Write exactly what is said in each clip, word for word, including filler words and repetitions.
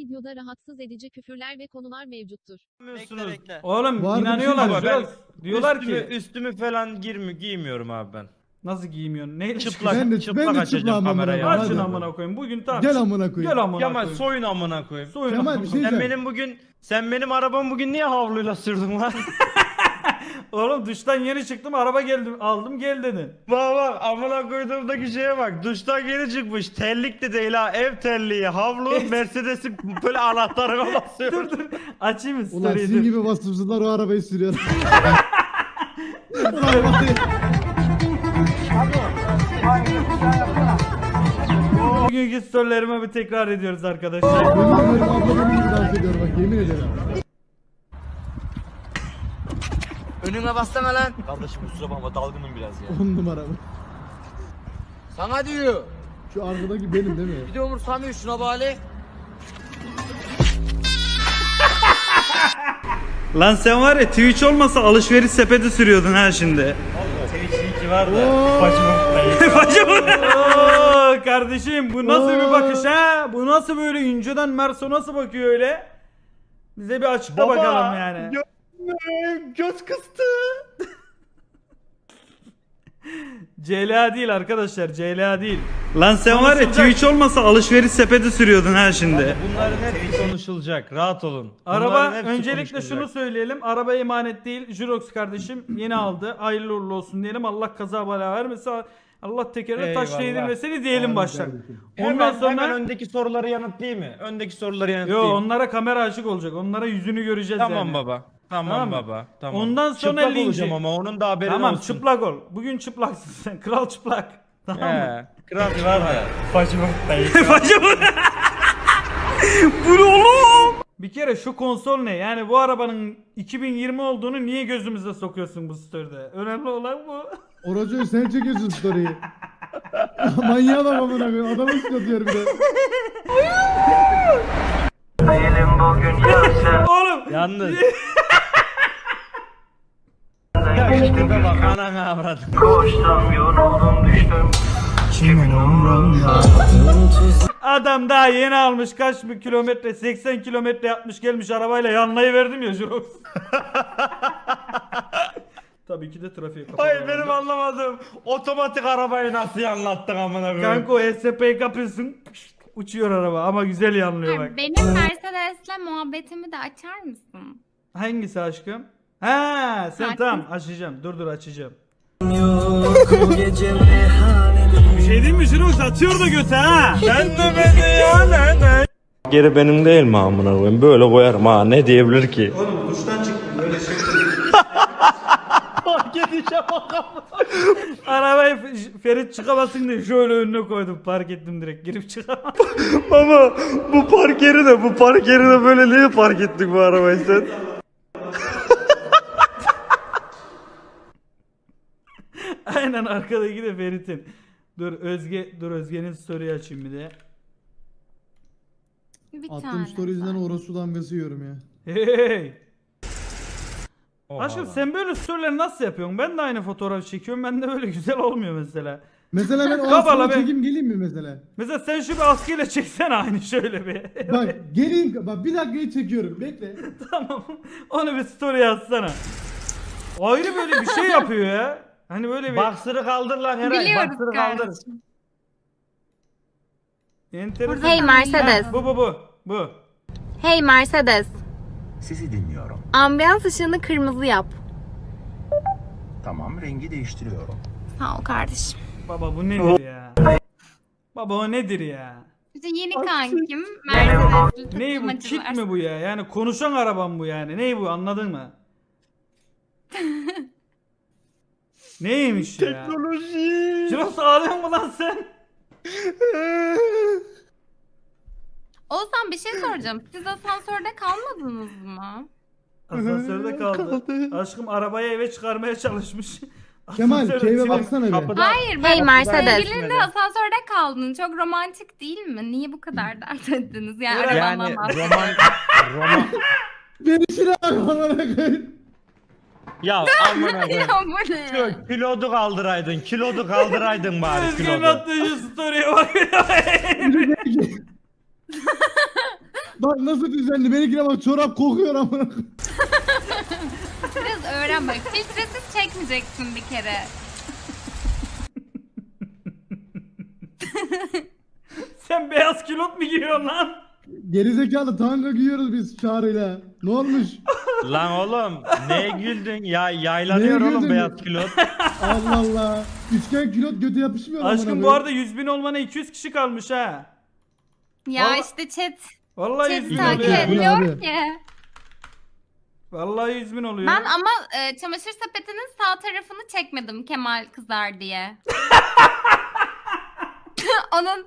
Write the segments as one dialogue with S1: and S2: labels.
S1: videoda rahatsız edici küfürler ve konular mevcuttur.
S2: Bekle bekle.
S3: Oğlum
S4: Var
S3: inanıyorlar.
S2: bir şey
S3: Jirox.
S2: var.
S3: Diyorlar
S2: üstümü,
S3: ki
S2: üstümü falan girmi giymiyorum abi ben.
S3: nasıl giymiyorsun? Neyle
S2: Çıplak
S4: Ben de-
S2: çıplak
S4: ben de
S2: açacağım
S4: çıplağım amına
S2: kamerayı.
S4: koyayım.
S3: Açın
S4: Hadi.
S3: amına koyayım. Bugün tamam.
S4: Gel amına koyayım.
S3: Gel amına
S2: Kemal
S3: koyayım.
S2: soyun amına koyayım.
S3: Soyun
S4: Kemal,
S3: amına
S4: bir şey
S3: koyayım.
S2: Sen
S4: diyeceğim.
S2: benim bugün sen benim arabamı bugün niye havluyla sürdün lan?
S3: Oğlum duştan yeni çıktım, araba geldim, aldım gel dedin.
S2: Bak bak amına koyduğumdaki şeye bak. Duştan yeni çıkmış. Terlik de değil ha. Ev terliği, havlu, Mercedes'in böyle anahtarına basıyor.
S3: Dur dur. Açayım mı
S4: Ulan
S3: story'i?
S4: sizin
S3: dur.
S4: gibi vasıfsızlar o arabayı sürüyor.
S3: Bugünkü storylerime bir tekrar ediyoruz arkadaşlar.
S4: Yemin ederim abla benim gibi dans ediyor bak yemin ederim.
S5: Önüme bassana lan.
S6: Kardeşim kusura bakma dalgınım biraz ya.
S4: On numara bu.
S5: Sana diyor.
S4: Şu arkadaki benim değil mi?
S5: Bir de umursamıyor şuna bari.
S3: Lan sen var ya Twitch olmasa alışveriş sepeti sürüyordun ha şimdi.
S2: Twitch linki var da.
S3: Bacım. Oo, kardeşim bu nasıl bir bakış ha? Bu nasıl böyle inceden Merso nasıl bakıyor öyle? Bize bir açıkla bakalım yani.
S2: Gö- göz kıstı.
S3: C L A değil arkadaşlar, C L A değil. Lan sen var ya Twitch olmasa alışveriş sepeti sürüyordun ha şimdi.
S2: Bunların hepsi konuşulacak. Rahat olun.
S3: Araba
S2: Bunların hepsi
S3: öncelikle
S2: konuşulacak.
S3: şunu söyleyelim. Araba emanet değil. Jirox kardeşim yeni aldı. Hayırlı uğurlu olsun diyelim. Allah kaza bela vermesin. Allah tekerine taş
S2: Eyvallah.
S3: değdirmesini diyelim
S4: Amin
S3: baştan.
S4: kardeşim.
S3: Ondan
S2: Hemen,
S3: sonra
S2: hemen öndeki soruları yanıtlayayım mı? Öndeki soruları
S3: yo
S2: yanıtlayayım.
S3: onlara kamera açık olacak. Onlara yüzünü göreceğiz
S2: Tamam
S3: yani.
S2: baba. Tamam,
S3: Tamam mı?
S2: baba. Tamam.
S3: Ondan sonra
S2: çıplak
S3: linci.
S2: olacağım ama onun da haberi
S3: Tamam
S2: olsun.
S3: çıplak ol. Bugün çıplaksın sen. Kral çıplak. Tamam mı?
S2: He. Kral var ya.
S3: Bacım. Bu ne oğlum? Bir kere şu konsol ne? Yani bu arabanın iki bin yirmi olduğunu niye gözümüze sokuyorsun bu story'de? Önemli olan bu.
S4: Oracı sen çekiyorsun story'i. Manyağa bak amına koyayım. Adamı sıkatıyor bir de.
S3: Oğlum.
S2: Yalnız. Ya işte bak anana avradım.
S3: Adam daha yeni almış kaç bir kilometre seksen kilometre yapmış gelmiş arabayla yanlayı verdim ya Jirox. Tabii ki de trafiğe kapalı.
S2: Hayır benim anlamadığım otomatik arabayı nasıl anlattın amına koyayım.
S3: Kanka o S P'yi kapıyorsun uçuyor araba ama güzel yanlıyor bak.
S7: Benim Mercedes'le muhabbetimi de açar mısın?
S3: Hangisi aşkım? Ha sen
S7: Sakin.
S3: tamam açacağım dur dur açacağım. Bir şey değil mi Jirox atıyor da göte ha.
S2: Sen de beni ya ne ne? Geri benim değil mi amına koyayım? Böyle koyarım ha ne diyebilir ki?
S3: Oğlum duştan çıktım böyle şey.
S2: Fark edeceğim bakalım.
S3: Arabayı F- Ferit çıkamasın diye şöyle önüne koydum park ettim direkt girip çıkamam.
S2: Ama bu park yeri de bu park yeri de böyle niye park ettik bu arabayı sen?
S3: Aynen arkadaki de Ferit'in. Dur Özge dur Özge'nin story açayım bir de.
S7: Bir
S4: Attığım
S7: tane.
S4: story yüzünden orası damgası yiyorum ya.
S3: Hey.
S2: Oha
S3: Aşkım
S2: lan.
S3: sen böyle storyleri nasıl yapıyorsun? Ben de aynı fotoğraf çekiyorum. Ben de böyle güzel olmuyor mesela.
S4: Mesela ben o
S3: Kabala
S4: askıya
S3: be.
S4: çekeyim geleyim mi mesela?
S3: Mesela sen şu bir askıyla çeksene aynı şöyle bir.
S4: Bak geleyim bak bir dakikayı çekiyorum bekle.
S3: Tamam. Onu bir story yazsana. Ayrı böyle bir şey yapıyor ya. Hani böyle bir
S2: Baksırı kaldır lan Eray.
S7: Biliyoruz
S2: Baksırı kaldır.
S7: kardeşim.
S3: enteresan.
S7: Hey Mercedes.
S3: Ha, bu bu bu. Bu.
S7: Hey Mercedes.
S8: Sizi dinliyorum.
S7: Ambiyans ışığını kırmızı yap.
S8: Tamam, rengi değiştiriyorum.
S7: Sağ ol kardeşim.
S3: Baba bu nedir ya? Baba o nedir ya?
S7: İşte yeni kankim Mercedes'li
S3: Ney bu? Kit mi bu ya? Yani konuşan arabam bu yani. Ney bu anladın mı? Neymiş ya?
S2: Teknoloji.
S3: Jirox ağlıyor mu lan sen?
S7: Oğuzhan bir şey soracağım. Siz asansörde kalmadınız mı?
S3: Asansörde kaldı. Aşkım arabayı eve çıkarmaya çalışmış.
S4: Kemal
S3: Asansörde
S4: keyfe
S3: içine-
S4: baksana bir.
S2: Kapıda-
S7: Hayır
S2: Hey
S7: ben
S2: Mercedes.
S7: sevgilinle asansörde kaldın. Çok romantik değil mi? Niye bu kadar dert ettiniz? Yani,
S2: Yani
S7: arabandan bahsediyorum.
S2: roman roman
S4: Beni şuna bak amına koyayım.
S2: ya amına koyayım.
S7: Ya bu ne?
S2: Şu kilodu kaldıraydın. Kilodu kaldıraydın bari
S3: Özge'nin
S2: kilodu.
S3: attığı şu story'e bak.
S4: Bak nasıl düzenli. Benimkine bak çorap kokuyor amına.
S7: Biraz öğren bak. Filtresiz çekmeyeceksin bir kere.
S3: Sen beyaz kilot mu giyiyorsun lan?
S4: Gerizekalı tanga giyiyoruz biz Çağrı'yla. Ne olmuş?
S2: Lan oğlum neye güldün? Ya yaylanıyor
S4: Neye
S2: oğlum
S4: güldün?
S2: beyaz kilot.
S4: Allah Allah. Üçgen külot götü yapışmıyor amına
S3: Aşkım bu
S4: koyayım.
S3: arada yüz bin olmana iki yüz kişi kalmış ha.
S7: Ya
S3: Vallahi-
S7: işte chat.
S3: Vallahi yüz
S7: Chat
S3: bin
S7: takip
S3: oluyor.
S4: et.
S7: ediliyor
S4: Abi.
S7: ki.
S3: Vallahi yüz bin oluyor.
S7: Ben ama e, çamaşır sepetinin sağ tarafını çekmedim Kemal kızar diye. Onun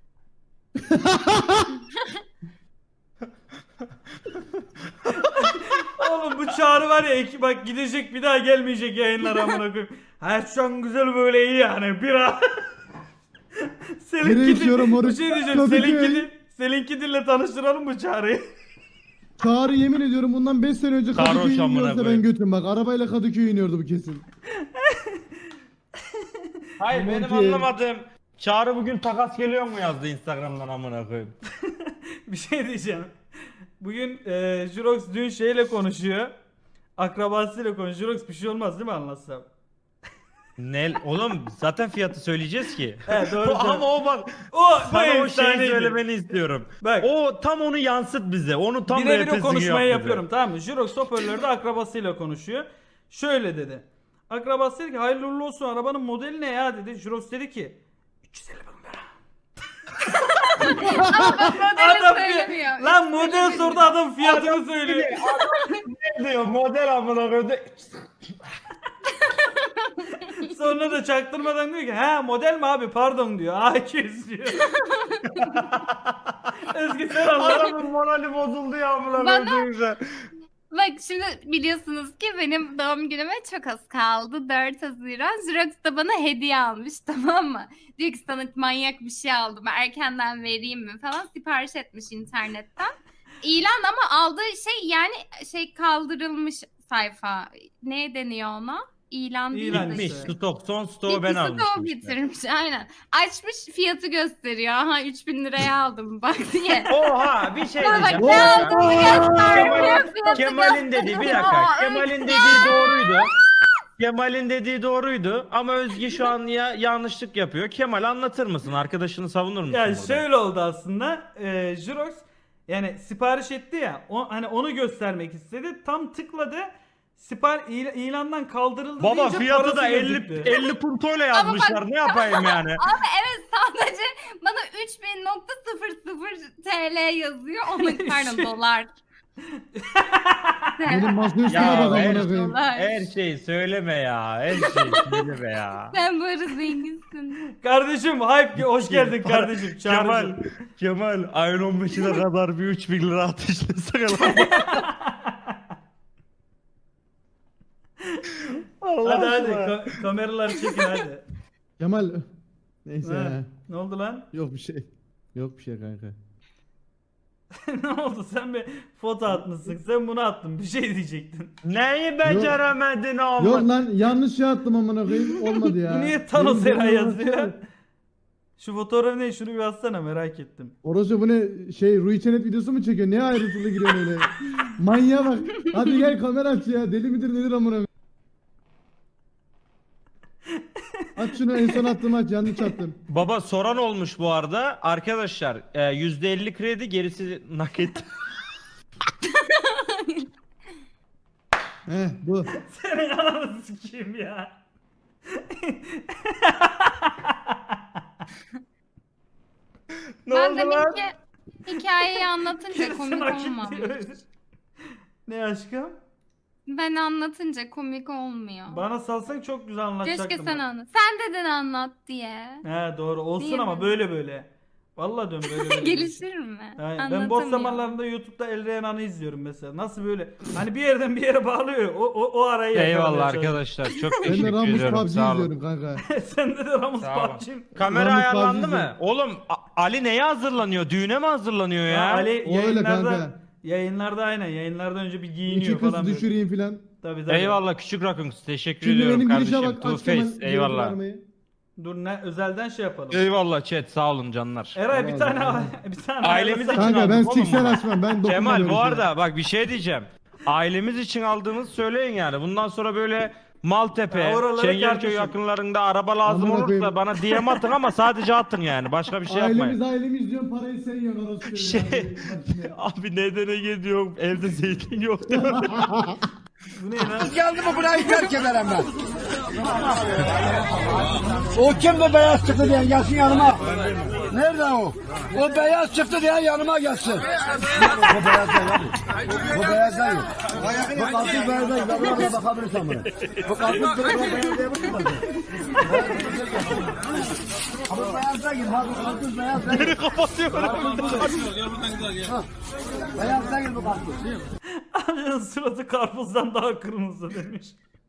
S3: Oğlum bu Çağrı var ya iki, bak gidecek bir daha gelmeyecek yayınlara amına koyayım. Her şu an güzel böyle iyi yani bir an. Selin
S4: Nereye
S3: Kidil,
S4: içiyorum
S3: bir
S4: orası?
S3: şey diyeceğim.
S4: Tabii
S3: Selin
S4: ki.
S3: Kidil, Selin Kidil'le tanıştıralım mı Çağrı'yı?
S4: Çağrı yemin ediyorum bundan beş sene önce
S2: Sarhoş
S4: Kadıköy'e
S2: amına
S4: iniyorsa ben
S2: koyayım.
S4: götüm bak. Arabayla Kadıköy'e iniyordu bu kesin.
S2: Hayır
S4: Aman
S2: benim
S4: ki.
S2: anlamadığım Çağrı bugün takas geliyor mu yazdı Instagram'dan amına koyayım.
S3: Bir şey diyeceğim. Bugün e, Jurox dün şeyle konuşuyor. Akrabasıyla konuşuyor. Jurox bir şey olmaz değil mi anlatsam?
S2: Ne oğlum zaten fiyatı söyleyeceğiz ki.
S3: He doğru.
S2: O- ama o bak
S3: o bu
S2: sana o şeyi
S3: efsaneydi.
S2: söylemeni istiyorum.
S3: Bak.
S2: O tam onu yansıt bize. Onu tam
S3: Birebir o
S2: repesini
S3: konuşmayı
S2: yap bize.
S3: yapıyorum tamam mı? Jurox hoparlörde akrabasıyla konuşuyor. Şöyle dedi. Akrabası dedi ki hayırlı uğurlu olsun arabanın modeli ne ya dedi. Jurox dedi ki üç yüz elli bin lira.
S7: modeli
S3: Adam
S7: söylemiyor.
S3: lan model sordu adam fiyatını söylüyor.
S2: Ne diyor model amına koyayım.
S3: Sonra da çaktırmadan diyor ki ha model mi abi pardon diyor. A iki yüz diyor. Özgü sen anladın.
S2: Adamın morali bozuldu ya amına
S7: Bana-
S2: koyayım güzel.
S7: Bak şimdi biliyorsunuz ki benim doğum günüme çok az kaldı. dört Haziran. Jurox da bana hediye almış tamam mı? Diyor ki sana manyak bir şey aldım. Erkenden vereyim mi falan. Sipariş etmiş internetten. İlan ama aldığı şey yani şey kaldırılmış sayfa. Ne deniyor ona? İlan değil
S3: İlan
S7: de.
S2: Bitmiş
S3: işte.
S2: stok son stoğu ben
S7: İkisi de o
S2: almıştım. işte.
S7: bitirmiş aynen. Açmış fiyatı gösteriyor. Aha üç bin liraya aldım bak diye.
S2: Oha bir şey
S7: Bana bak
S2: diyeceğim.
S7: ne
S2: Ya.
S7: aldığını göstermiyor.
S2: Kemal'in,
S7: fiyatı
S2: Kemal'in dediği bir dakika.
S7: gösteriyor.
S2: Kemal'in dediği doğruydu. Kemal'in dediği doğruydu ama Özge şu an ya yanlışlık yapıyor. Kemal anlatır mısın? Arkadaşını savunur musun?
S3: Ya
S2: burada?
S3: şöyle oldu aslında. E, Jurox yani sipariş etti ya. O, hani onu göstermek istedi. Tam tıkladı. Sipar il- ilandan kaldırıldı
S2: Baba
S3: deyince
S2: fiyatı
S3: parası
S2: da elli
S3: gözüktü.
S2: elli puntoyla yazmışlar. Ne yapayım yani?
S7: Abi evet sadece bana üç bin nokta sıfır sıfır T L yazıyor. Onu pardon dolar.
S4: Benim masa üstüne
S2: Ya
S4: bak
S2: her,
S4: amına koyayım.
S7: Dolar.
S2: her şeyi söyleme ya. Her şeyi söyleme ya.
S7: Sen bu arada zenginsin.
S3: Kardeşim hype hoş geldin kardeşim.
S2: Kemal,
S3: Çağrı'cığım.
S2: Kemal ayın on beşine kadar bir üç bin lira ateşlesene lan. Allah
S3: Hadi hadi
S2: aşkına.
S3: ka- kameraları çekin hadi.
S4: Kemal. Neyse
S3: Ha,
S4: ya.
S3: ne oldu lan?
S4: Yok bir şey. Yok bir şey kanka.
S3: Ne oldu sen bir foto atmışsın sen bunu attın bir şey diyecektin.
S2: Neyi beceremedin ama?
S4: Yok lan yanlış şey attım amına koyayım. Olmadı ya.
S3: Bu niye Thanos
S4: Benim
S3: Era
S4: benim
S3: yazıyor?
S4: orası-
S3: Şu fotoğraf ne şunu bir atsana merak ettim.
S4: Orası bu ne şey Rui Çenet videosu mu çekiyor? Ne ayrıntılı giriyorsun öyle? Manyağa bak. Hadi gel kamera aç ya. Deli midir nedir amına koyayım? Aç şunu en son attım aç yanlış attım.
S2: Baba soran olmuş bu arada. Arkadaşlar e, yüzde elli kredi gerisi nakit.
S4: Heh bu.
S3: Senin ananı sikeyim ya.
S2: Ne
S7: Ben
S2: oldu
S7: demin
S2: lan?
S7: ki hikayeyi anlatınca
S3: Gerisi
S7: komik
S3: nakit
S7: olmamış.
S3: diyor. Ne aşkım?
S7: Ben anlatınca komik olmuyor.
S3: Bana salsan çok güzel anlatacaktım.
S7: Keşke sen
S3: bak.
S7: anlat. Sen dedin anlat diye.
S3: He doğru olsun
S7: Değil
S3: ama
S7: mi?
S3: böyle böyle. Vallahi diyorum böyle böyle.
S7: Gelişir mi?
S3: Aynen. Ben boş
S7: Anlatamıyor.
S3: zamanlarında YouTube'da El Reyhan'ı izliyorum mesela. Nasıl böyle? Hani bir yerden bir yere bağlıyor. O o, o arayı
S2: Eyvallah
S3: yakalamaya çalışıyor.
S2: arkadaşlar. Çok
S4: Ben de
S2: teşekkür
S4: Ramus P U
S2: ediyorum.
S4: B G
S2: Sağ olun.
S4: izliyorum kanka.
S3: Sende de Ramus
S2: Sağ olun.
S3: P U B G.
S2: Kamera
S4: Ramus
S2: ayarlandı
S4: P U B G
S2: mı? Oğlum A- Ali neye hazırlanıyor? Düğüne mi hazırlanıyor ya?
S3: Ya Ali
S4: O öyle
S3: yayınlarda
S4: kanka.
S3: yayınlarda aynen yayınlardan önce bir giyiniyor
S4: İki
S3: falan.
S4: kız
S3: böyle.
S4: düşüreyim filan.
S3: Tabii tabii.
S2: Eyvallah küçük rakun. Teşekkür
S4: Şimdi
S2: ediyorum
S4: benim girişe
S2: kardeşim.
S4: bak
S2: Two
S4: aç Kemal.
S2: Face. Eyvallah.
S4: vermeyi.
S3: Dur ne özelden şey yapalım.
S2: Eyvallah chat sağ olun canlar.
S3: Eray bir tane bir tane
S2: Ailemiz için
S4: Kanka ben
S2: aldım oğlum
S4: siksen
S2: bunu.
S4: açmam. Ben dokunmam
S2: Kemal
S4: öyle
S2: bu
S4: şeye.
S2: arada bak bir şey diyeceğim. Ailemiz için aldığımız söyleyin yani. Bundan sonra böyle Maltepe,
S3: Ya oraları
S2: Çengelköy
S3: kardeşim.
S2: yakınlarında araba lazım
S4: Amına
S2: olursa
S4: koyayım.
S2: bana D M atın ama sadece atın yani. Başka bir şey
S4: Ailemiz
S2: yapmayın.
S4: ailemiz diyorsun parayı sen yiyorsun orası.
S2: Şey, abi nedene gidiyor evde zeytin yok değil mi?
S3: Bu ne lan?
S5: Geldi mi burayı terk ederim ben. O kim bu beyaz çıktı diyen gelsin yanıma. Nerede o? O beyaz çıktı diyen yanıma gelsin. Bu beyaz değil abi. Bu beyaz değil. Bu kalkın beyaz değil. Ben buna bakabilirsem buna. Bu kalkın beyaz değil. Ama beyaz değil. Bak bu kalkın beyaz değil.
S2: Beni kapatıyorum.
S5: Beyaz değil bu kalkın.
S3: Amcanın suratı karpuzdan daha kırmızı demiş.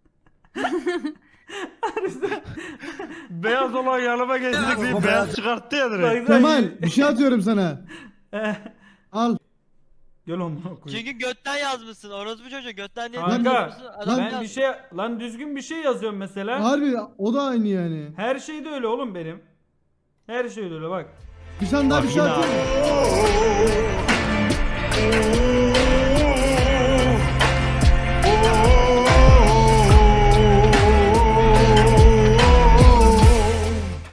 S2: Beyaz olan yanıma geçtik diye beyaz çıkarttı ya direkt.
S4: Kemal bir şey atıyorum sana.
S3: Eh,
S4: Al.
S3: Gel onu koyayım.
S6: Çünkü götten yazmışsın. Orospu çocuğu götten diye
S3: Kanka
S6: yazmışsın. Adam
S3: ben bir
S6: yazmış.
S3: şey lan düzgün bir şey yazıyorum mesela.
S4: Harbi o da aynı yani.
S3: Her şey de öyle oğlum benim. Her şey de öyle bak.
S4: Bir tane daha bir şey
S2: Bak yine
S4: atıyorum.